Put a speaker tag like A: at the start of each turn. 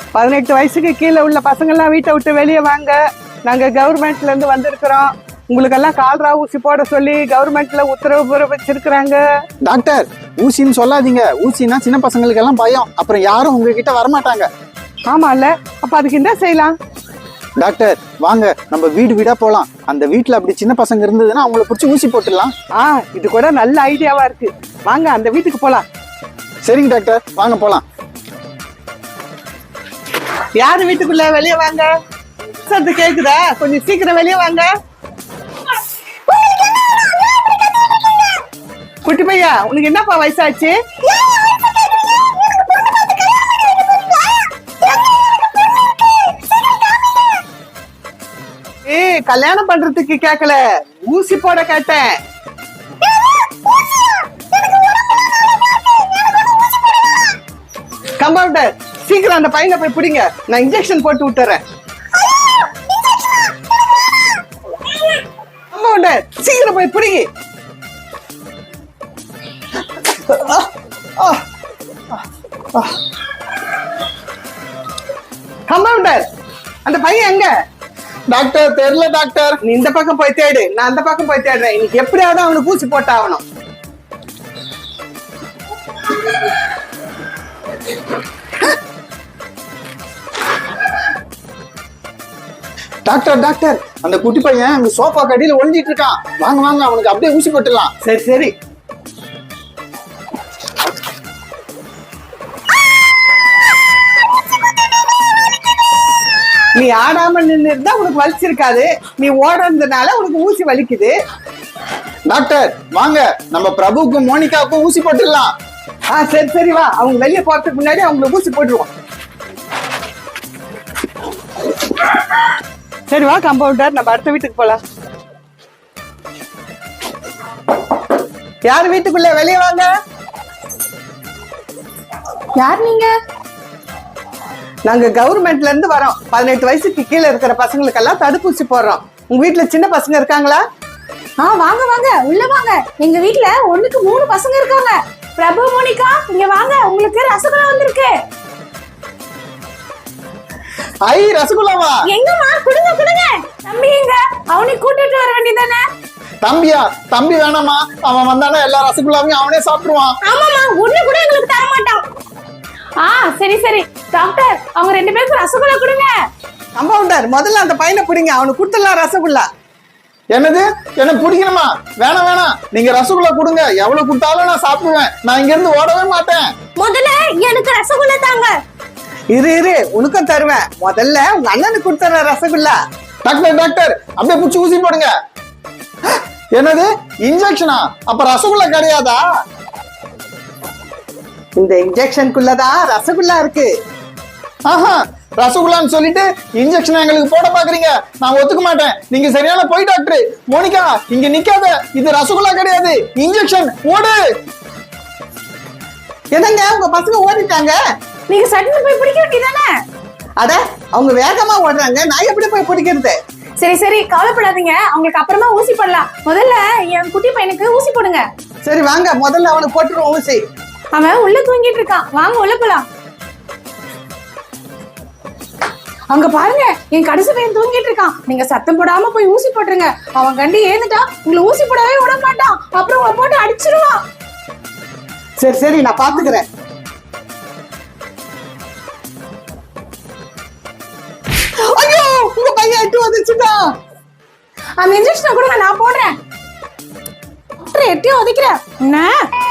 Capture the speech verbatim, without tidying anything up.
A: பதினெட்டு வயசுக்கு கீழே உள்ள பசங்கள்லாம் வீட்டை விட்டு வெளியே வாங்க. நாங்க கவர்மெண்ட்ல இருந்து வந்திருக்கிறோம். உங்களுக்கெல்லாம் கால்ரா ஊசி போட சொல்லி கவர்மெண்ட்ல உத்தரவு பிறப்பிச்சிருக்கிறாங்க.
B: டாக்டர், ஊசின்னு சொல்லாதீங்க. ஊசினா சின்ன பசங்களுக்கு எல்லாம் பயம். அப்புறம் யாரும் உங்ககிட்ட வரமாட்டாங்க.
A: ஆமா இல்ல, அப்ப அதுக்கு என்ன செய்யலாம்?
B: டாக்டர் வாங்க, நம்ம வீடு வீடா போலாம். அந்த வீட்டுல அப்படி சின்ன பசங்க இருந்ததுன்னா அவங்கள பிடிச்சி ஊசி போட்டுடலாம்.
A: ஆ, இது கூட நல்ல ஐடியாவா இருக்கு. வாங்க அந்த வீட்டுக்கு போலாம்.
B: சரிங்க டாக்டர், வாங்க போலாம்.
A: யாரு வீட்டுக்குள்ள? வெளியே வாங்க. சத்து கேக்குதா? கொஞ்சம் சீக்கிரம் வெளியே வாங்க. குட்டி பையா, உனக்கு என்னப்பா வயசாச்சு? ஏய், கல்யாணம் பண்றதுக்கு கேக்கல, ஊசி போட கேட்டேன். கம்பவுண்டர், சீக்கிரம் அந்த பையனை போய் பிடிங்க. நான் இன்ஜெக்ஷன் போட்டு விட்டுறேன். கம்பவுண்டர், சீக்கிரம் போய் பிடிங்க. கம்பவுண்டர், அந்த பையன் எங்க?
B: டாக்டர் தெரியல டாக்டர்.
A: நீ இந்த பக்கம் போய் தேடு, நான் அந்த பக்கம் போய் தேடுறேன். இன்னைக்கு எப்படியாவது அவனுக்கு ஊசி போட்டாகணும்.
B: டாக்டர் டாக்டர், அந்த குட்டி பையன் அங்க சோஃபா கடியில ஒளிஞ்சிட்டு இருக்கான். வாங்க வாங்க, அவனுக்கு அப்படியே ஊசி போட்டுடலாம்.
A: சரி சரி. நீ ஆடாம நின்று இருந்தா உனக்கு வலிச்சிருக்காது. நீ ஓடுறதுனால உனக்கு ஊசி வலிக்குது.
B: டாக்டர் வாங்க, நம்ம பிரபுக்கும் மோனிகாவுக்கும் ஊசி போட்டுடலாம்.
A: ஆ சரி சரி, வா. அவங்க வெளியே போறதுக்கு முன்னாடி அவங்களுக்கு ஊசி போட்டுருவோம். சரி வா கம்பவுண்டர், நம்ம அடுத்த வீட்டுக்கு போலாம். யார் வீட்டுக்குள்ள? வெளியே வாங்க.
C: யார் நீங்க?
A: நாங்க கவர்மெண்ட்ல இருந்து வரோம். பதினெட்டு வயசுக்கு கீழே இருக்கிற பசங்களுக்கெல்லாம் தடுப்பூசி போடுறோம். உங்க வீட்டுல சின்ன பசங்க இருக்காங்களா?
C: ஆ வாங்க வாங்க, உள்ள வாங்க. எங்க வீட்ல ஒண்ணுக்கு மூணு பசங்க இருக்காங்க. பிரபு, மோனிகா, இங்க வாங்க. உங்களுக்கு ரசகுல்லா வந்திருக்கு.
B: ஐ, ரசகுல்லாவா?
C: எங்கம்மா? குடுங்க குடுங்க. தம்பி எங்க? அவனை கூட்டிட்டு வர வேண்டியதானே?
B: தம்பியா? தம்பி வேணாமா, அவன் வந்தானா எல்லா ரசகுல்லாவையும் அவனே சாப்பிடுவான்.
C: ஆமாமா, ஒண்ணு கூட எங்களுக்கு தர மாட்டான். ஆ சரி சரி. டாக்டர், அவங்க ரெண்டு பேருக்கு ரசகுல்லா கொடுங்க.
A: கம்பவுண்டர், முதல்ல அந்த பையனை பிடிங்க. அவனுக்கு கொடுத்துடலாம் ரசகுல்லா.
B: என்னது? எனக்கு பிடிக்கணுமா? வேணாம் வேணாம், நீங்க ரசகுல்லா கொடுங்க. எவ்வளவு கொடுத்தாலும் நான் சாப்பிடுவேன். நான் இங்க இருந்து ஓடவே மாட்டேன்.
C: முதல்ல எனக்கு ரசகுல்லா தாங்க.
A: இரு இரு, உனக்கும் தருவேன். முதல்ல உங்க அண்ணனுக்கு கொடுத்துற ரசகுல்லா.
B: டாக்டர் டாக்டர், அப்படியே புடிச்சு ஊசி போடுங்க. என்னது? இன்ஜெக்ஷனா? அப்ப ரசகுல்லா கிடையாதா?
A: இந்த இன்ஜெக்ஷனுக்குள்ளதான் ரசகுல்லா இருக்கு.
B: ஆஹா, ரசகுல்லான்னு சொல்லிட்டு இன்ஜெக்ஷன் எங்களுக்கு போட பாக்குறீங்க. நான் ஒத்துக்க மாட்டேன். நீங்க சரியான போய் டாக்டர். மோனிகா, இங்க நிக்காத. இது ரசகுல்லா கிடையாது, இன்ஜெக்ஷன். ஓடு.
A: என்னங்க, உங்க பசங்க ஓடிட்டாங்க.
C: நீங்க சட்டுன்னு போய் பிடிக்க வேண்டியதானே?
A: அட, அவங்க வேகமா ஓடுறாங்க. நான் எப்படி போய் பிடிக்கிறது?
C: சரி சரி, கவலைப்படாதீங்க. அவங்களுக்கு அப்புறமா ஊசி போடலாம். முதல்ல என் குட்டி பையனுக்கு ஊசி போடுங்க.
A: சரி வாங்க, முதல்ல அவனுக்கு போட்டுருவோம் ஊசி.
C: அவன் உள்ள தூங்கிட்டு இருக்கான். வாங்க உள்ள போலாம். அங்க பாருங்க, என் கடைசி பையன் தூங்கிட்டு இருக்கான். நீங்க சத்தம் போடாம போய் ஊசி போட்டுருங்க. அவன் கண்டி ஏந்துட்டா உங்களை ஊசி போடவே விட மாட்டான். அப்புறம் உங்களை போட்டு அடிச்சிருவான்.
A: சரி சரி, நான் பாத்துக்கிறேன். ஐயோ, உங்க பையன் எட்டு வந்துச்சுடா.
C: அந்த இன்ஜெக்ஷனை கூட நான் போடுறேன். எட்டி உதைக்கிறேன். என்ன